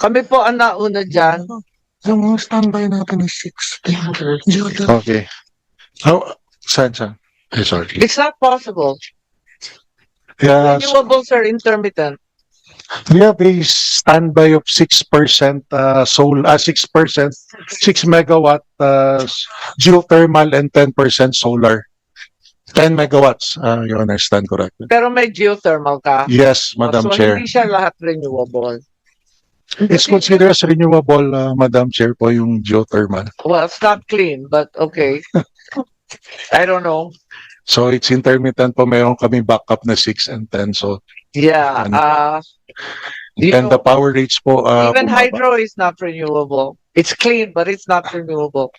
Kami po ang nauna dyan. Yung standby natin is 6. Okay. How, saan? Sorry. It's not possible. Yeah, Renewables are intermittent. we have a standby of 6% 6%, 6 megawatt geothermal and 10% solar. 10 megawatts, you understand correctly? Pero may geothermal ka. Yes, Madam So Chair. hindi siya lahat renewable. It's considered as renewable, Madam Chair, po yung geothermal. Well, it's not clean, but okay. I don't know. So it's intermittent po, meron kami backup na 6 and 10. So, Yeah. You and the know, power rates po, even bumaba. hydro is not renewable. It's clean, but it's not renewable.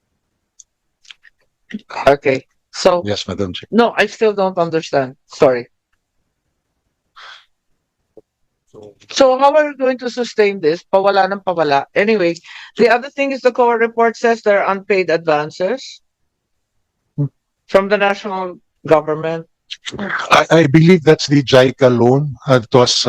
Okay. So, Yes, Madam Chair. no, I still don't understand. Sorry. So how are we going to sustain this? Pawala ng pawala. Anyway, the other thing is the COA report says there are unpaid advances from the national government. I believe that's the JICA loan. It was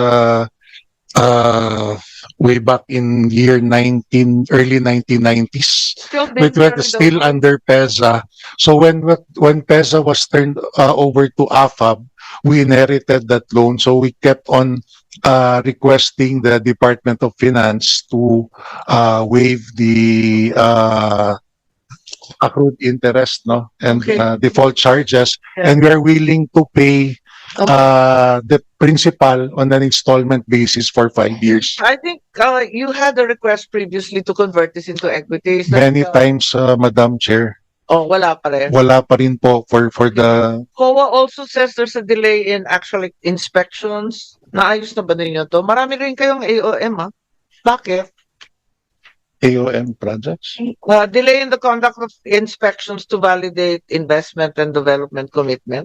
way back in early 1990s. Still being It was carried still over. under PEZA. So when PEZA was turned over to AFAB, we inherited that loan. So we kept on requesting the Department of Finance to waive the accrued interest, no, and Okay. default charges, Yeah. and we are willing to pay Okay. the principal on an installment basis for 5 years. I think you had a request previously to convert this into equity. Is that, Many times, Madam Chair, Oh, wala pa rin. wala pa rin po for the COA also says there's a delay in actual inspections. Naayos na ba ninyo to? Marami rin kayong AOM, ha? Bakit? AOM projects. Delay in the conduct of inspections to validate investment and development commitment.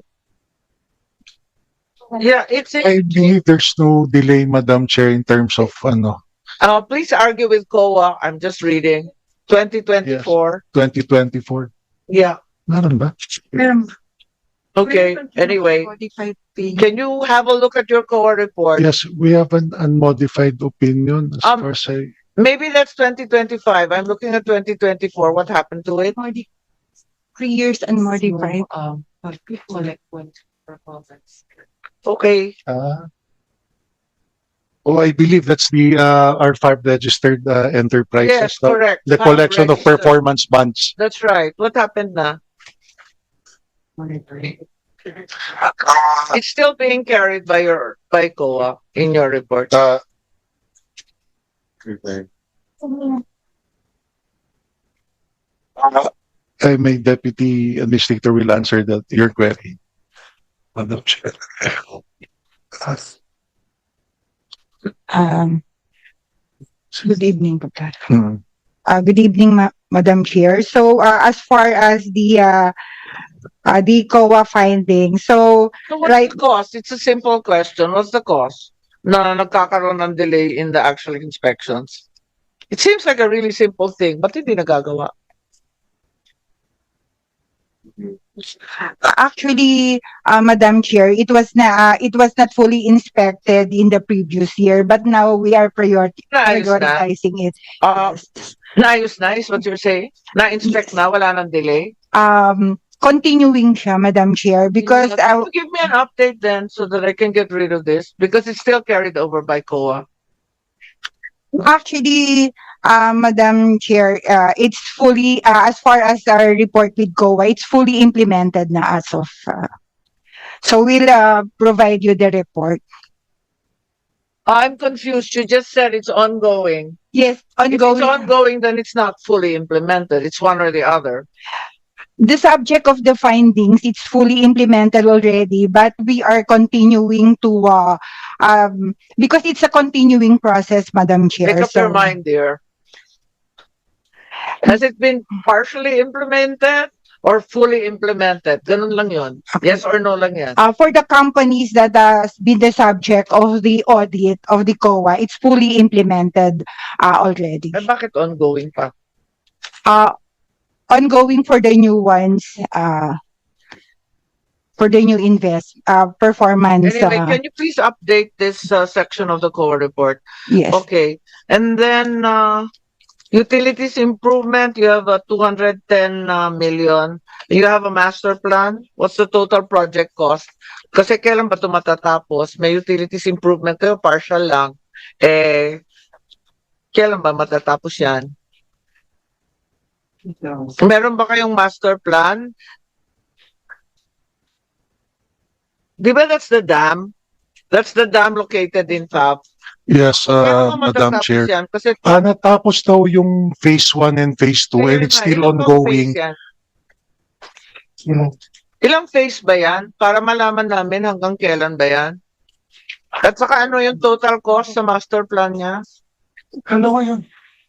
Yeah, it's I believe there's no delay, Madam Chair, in terms of please argue with COA. I'm just reading. 2024. 2024. Yeah. Meron ba? Okay. Anyway, can you have a look at your COA report? Yes, we have an unmodified opinion as far as I. Maybe that's 2025. I'm looking at 2024. What happened to it? 3 years and modified. Okay. Oh, I believe that's the R5 registered enterprises. Yes, no? correct. The Five collection of registered. performance bonds. That's right. What happened na? It's still being carried by COA in your report. My deputy administrator will answer your query. Madam Chair. Good evening, Pagkat. Hmm. Good evening, Madam Chair. So, as far as the COA findings, so So what's Right. the cost? It's a simple question. What's the cost na nagkakaroon ng delay in the actual inspections? It seems like a really simple thing, but hindi nagagawa. actually, Madam Chair, it was not fully inspected in the previous year, but now we are Naayos na? prioritizing it. Naayos na is what you're saying? Na-inspect na? Wala nang delay? Continuing siya, Madam Chair, because Can you give me an update then so that I can get rid of this? Because it's still carried over by COA. actually, Madam Chair, it's fully, as far as our report with COA, it's fully implemented na as of, so we'll provide you the report. I'm confused. You just said it's ongoing. Yes, If it's ongoing. ongoing, then it's not fully implemented. It's one or the other. The subject of the findings, it's fully implemented already, but we are continuing to, because it's a continuing process, Madam Chair. Make up your mind, dear. Has it been partially implemented or fully implemented? Ganun lang yun. Yes or no lang yan. For the companies that has been the subject of the audit of the COA, it's fully implemented already. Eh, bakit ongoing pa? Ongoing for the new ones, for the new performance. Anyway, can you please update this section of the core report? Yes. Okay. And then utilities improvement, you have 210 million. You have a master plan. What's the total project cost? Kasi kailan ba ito matatapos? May utilities improvement kayo, partial lang. Kailan ba matatapos yan? Meron ba kayong master plan? Di ba that's the dam? That's the dam located in FAB. Yes, Kailan ba Madam matatapos Chair. yan? Kasi Natapos daw yung phase 1 and phase 2 and it's still ilang bang ongoing. phase yan? Ilang phase ba yan? Para malaman namin hanggang kailan ba yan? At saka ano yung total cost sa master plan niya? Ano yun?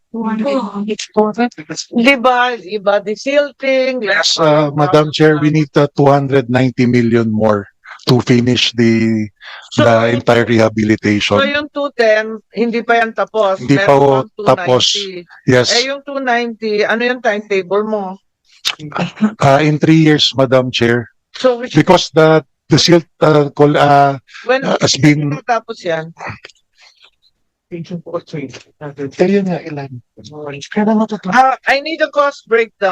Iba the silting. Yes, Madam Chair, we need 290 million more to finish the entire So rehabilitation. yung 210, hindi pa yan tapos. Hindi pa Meron ho pang tapos. 290. Yes, Yung 290, ano yung timetable mo? in 3 years, Madam Chair, So, because the silt when has been tapos yan? Kaya nga ilan? Kaya matatapos. I need a cost breakdown.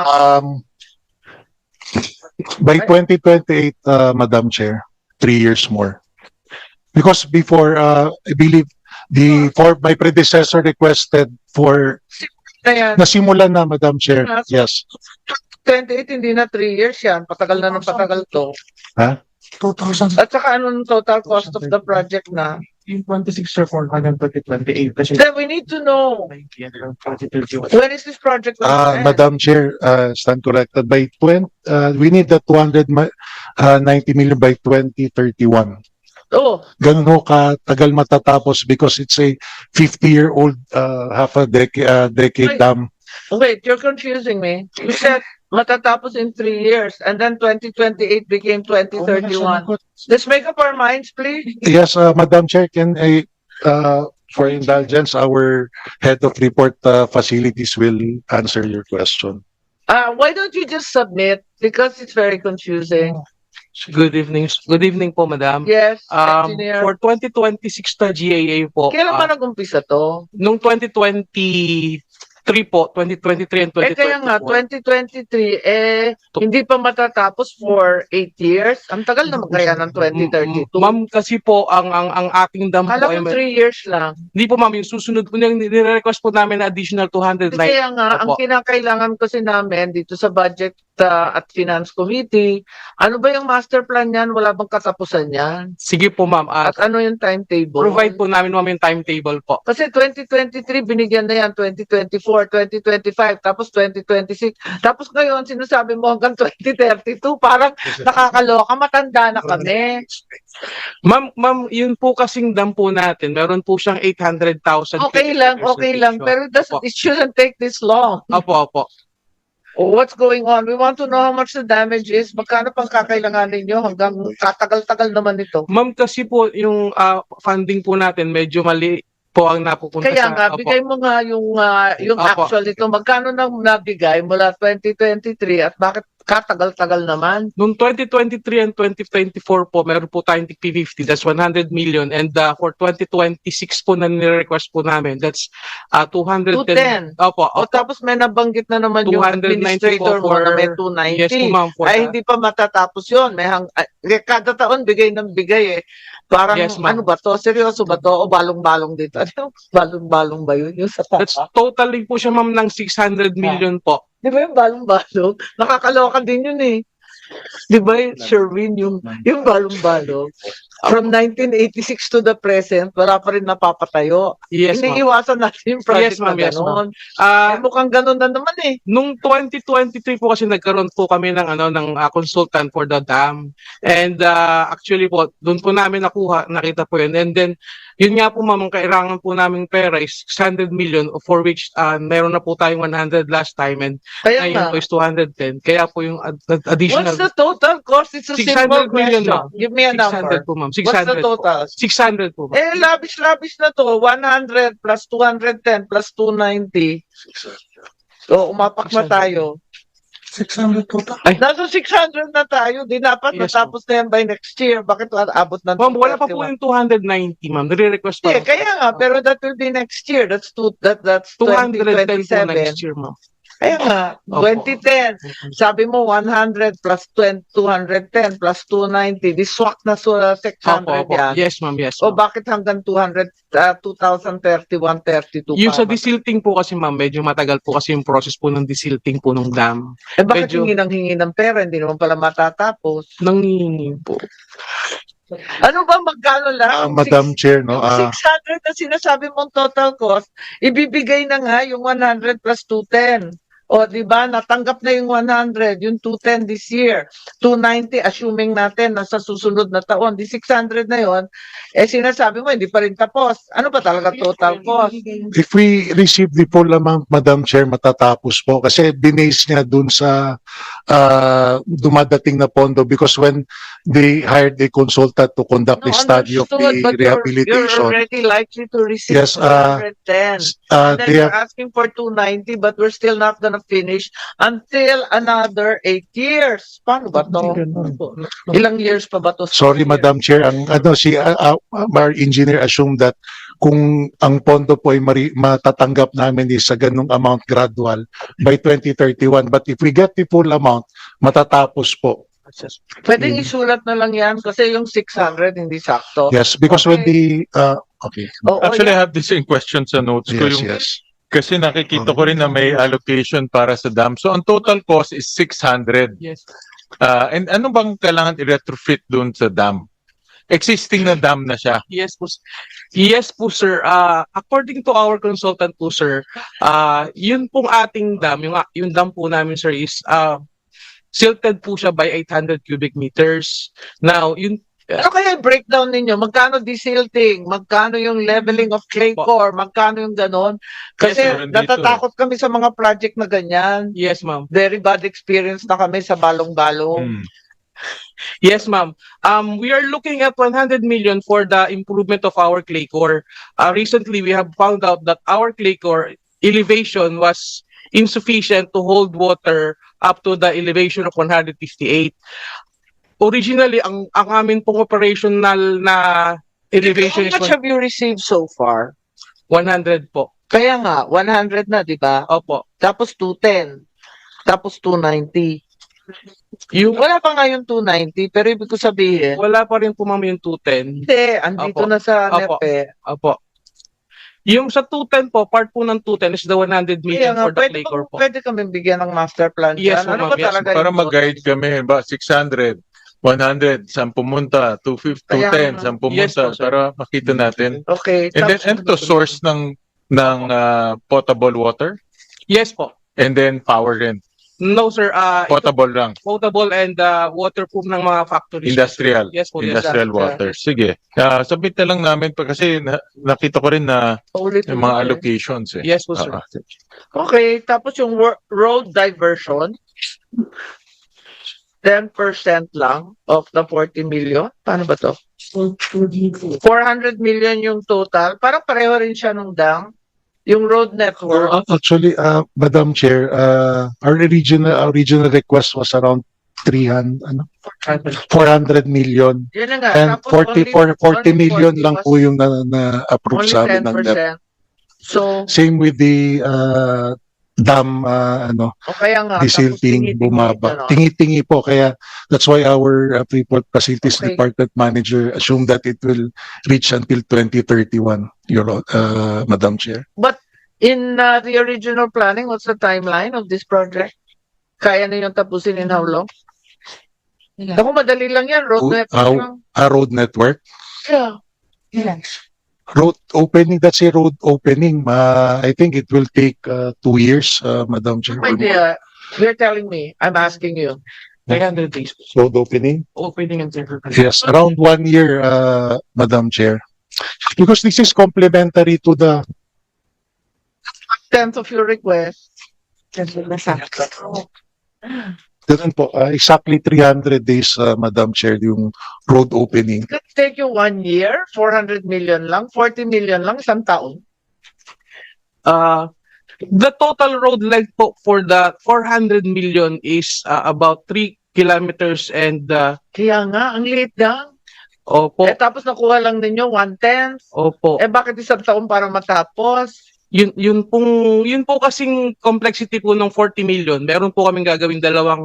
by 2028, Madam Chair, 3 years more. Because before, I believe my predecessor requested for Ayan, nasimulan na, Madam Chair. Yes. 28, hindi na 3 years yan. Patagal na ng patagal to. 2,000. At saka anong total cost of the project na? Yung 26 or 428. Then we need to know, when is this project going to end? Madam Chair, stand corrected. By we need the 290 million by 2031. Oh, Ganun ho katagal matatapos because it's a 50-year-old, half a decade Ay. dam. wait, you're confusing me. You said matatapos in 3 years and then 2028 became 2031. Let's make up our minds, please. Yes, Madam Chair, can I, for indulgence, our head of report facilities will answer your question. Why don't you just submit? Because it's very confusing. Good evening. Good evening po, Madam. Yes, engineer. For 2026 na GAA po, Kailan ba nag-umpisa to? nung 2023 po, 2023 and 2024. Kaya nga, 2023, hindi pa matatapos for 8 years. Ang tagal naman kaya ng 2032. Ma'am, kasi po, ang ating dam po Kala ay, ko 3 years lang. hindi po ma'am, yung susunod po, yung nire-request po namin na additional 209. Kaya nga, ang Opo. kinakailangan kasi namin dito sa Budget at Finance Committee, ano ba yung master plan yan? Wala bang katapusan yan? Sige po ma'am, At ano yung timetable? provide po namin ma'am yung timetable po. Kasi 2023, binigyan na yan, 2024, 2025, tapos 2026. Tapos ngayon, sinasabi mo hanggang 2032, parang nakakaloka, matanda na kami. Ma'am, yun po kasing dam po natin, meron po siyang 800,000. Okay lang. Pero it shouldn't take this long. Opo. What's going on? We want to know how much the damage is. Magkano pang kakailanganin nyo hanggang katagal-tagal naman ito. Ma'am, kasi po yung funding po natin medyo mali po ang napupunta Kaya sa... nga, Opo. bigay mo nga yung Opo. actual nito. Magkano nang nabigay mula 2023 at bakit katagal-tagal naman? Noong 2023 and 2024 po, meron po tayong P50, that's 100 million. And for 2026 po na nire-request po namin, that's 210. 210. Opo, O tapos may nabanggit na naman yung 290 administrator mo po na may for... 290. Yes po ma'am. For Ay, that. hindi pa matatapos yun. Kada taon, bigay ng bigay eh. Parang, Yes, ma'am. ano ba to? Seryoso ba to? O balong-balong dito? Ano? Balong-balong ba yun? Yung sa That's totaling po siya ma'am ng 600 million po. Di ba yung balong-balong? Nakakaloka din yun eh. Di ba, Sherwin, yung balong-balong? From 1986 to the present, wala pa rin napapatayo. Yes ma'am. Iniiwasan natin yung project Yes, ma'am. na Yes, gano'n. Ah, Ay, mukhang gano'n na naman eh. Nung 2023 po kasi nagkaroon po kami ng consultant for the dam. And actually po, doon po namin nakita po yun. And then, yun nga po ma'am, ang kailangan po namin pera is 600 million for which meron na po tayong 100 last time and Kaya nga. ngayon po is 210. Kaya po yung additional What's the total cost? It's a 600 simple million, question. ma'am. Give me a 600 number. po ma'am. What's the 600 po. total? 600 po ma'am. Labish-labish na to. 100 plus 210 plus 290. So, umapak na tayo. 600 total. Nasa 600 na tayo. Di dapat Yes, matapos na yan by next year. Bakit abot ng Ma'am, wala pa po 231? yung 290, ma'am. Nire-request pa. Hindi, kaya nga, pero that will be next year. That's 210 po 2027. next year, ma'am. Kaya nga, Opo. 2010. Sabi mo 100 plus 210 plus 290. Di swak na sa 600 Opo, opo. yan. Yes, ma'am. Yes, O ma'am. bakit hanggang 2031, 32 Yung sa pa? desilting po kasi, ma'am, medyo matagal po kasi yung process po ng desilting po ng dam. Eh bakit medyo- hingi ng pera? Hindi naman pala matatapos. Nangihingi po. Ano ba magkano lang? Madam Chair, no, 600 na sinasabi mong total cost, ibibigay na nga yung 100 plus 210. O, di ba? Natanggap na yung 100, yung 210 this year. 290, assuming natin nasa susunod na taon. Di 600 na yon, eh sinasabi mo, hindi pa rin tapos. Ano ba talaga total cost? if we receive the full amount, Madam Chair, matatapos po. Kasi binase niya dun sa dumadating na pondo because when they hired a consultant to conduct No, a study of understood, the but you're rehabilitation, already likely to receive Yes, 210. And then they you're have, asking for 290, but we're still not gonna finish until another 8 years. Paano ba to? Ilang years pa ba to? sorry, Madam Chair, ang our engineer assumed that kung ang pondo po ay matatanggap namin is sa ganung amount gradual by 2031. But if we get the full amount, matatapos po. Pwedeng isulat na lang yan kasi yung 600 hindi sakto. Yes, because when the, okay, Oo, Actually, I yan. have the same question sa notes ko. yes, Yung, yes. Kasi nakikita ko rin na may allocation para sa dam. So, ang total cost is 600. Yes. And ano bang kailangan i-retrofit dun sa dam? Existing na dam na siya. Yes po. Yes po, sir. According to our consultant po, sir, yun pong ating dam, yung dam po namin, sir, is silted po siya by 800 cubic meters. Now, yun Ano kaya yung breakdown ninyo? Magkano desilting? Magkano yung leveling of clay core? Magkano yung ganon? Kasi Yes, sir, nandito. natatakot kami sa mga project na ganyan. yes, ma'am. Very bad experience na kami sa balong-balong. Hmm. Yes, ma'am. We are looking at 100 million for the improvement of our clay core. Recently, we have found out that our clay core elevation was insufficient to hold water up to the elevation of 158. Originally, ang amin pong operational na elevation How is much have you received so far? 100 po. Kaya nga, 100 na, di ba? Opo. Tapos 210. Tapos 290. Yung Wala pa nga yung 290, pero ibig ko sabihin, wala pa rin po, ma'am, yung 210. hindi, andito Opo. na sa Opo. NEPE. Opo. Yung sa 210 po, part po ng 210 is the 100 Kaya million nga, for the pwede, clay core po. pwede kami bigyan ng master plan Yes, dyan. Ano ma'am, ba yes, talaga Para yung mag-guide kami, ba 600, 100, saan pumunta, 250, Kaya 210, nga. saan Yes, pumunta, po, sir. para makita natin. Okay. And then, tapos- and to source ng potable water, Yes po. and then power rin. No, sir. Ito, Potable lang. potable and waterproof ng mga factories. Industrial. Yes po. Yes. Industrial water. Sige. Submit na lang namin pa kasi nakita ko rin na Ulit yung mga allocations eh. Yes po, sir. Okay, tapos yung road diversion, 10% lang of the 40 million. Paano ba to? 400 million yung total. Parang pareho rin siya nung dam. Yung road network. Actually, Madam Chair, our original request was around 400 million. Yun na nga. And Tapos 40 million lang po yung na-approve only sa amin ng DEP. 10%. So, Same with the dam, o kaya nga. desilting, tapos bumaba. tingi-tingi, Tingi-tingi po, kaya that's why our Freeport Facilities Okay. Department Manager assumed that it will reach until 2031, Madam Chair. But in the original planning, what's the timeline of this project? Kaya na yung tapusin in how long? Ako, madali lang yan. Road network lang. Road network. Yeah. Road opening, that's a road opening. I think it will take 2 years, Madam Chair. My dear, you're telling me, I'm asking you. 300 days. Road opening? Opening and temporary. Yes, around 1 year, Madam Chair. Because this is complementary to the, Tenth of your request. ganun po, exactly 300 days, Madam Chair, yung road opening. It could take you 1 year, 400 million lang, 40 million lang, isang taon. The total road length po for the 400 million is about 3 kilometers and Kaya nga, ang liit lang. opo, Tapos nakuha lang ninyo 1/10. opo. Bakit isang taon para matapos? Yun po kasing complexity po ng 40 million. Meron po kaming gagawing dalawang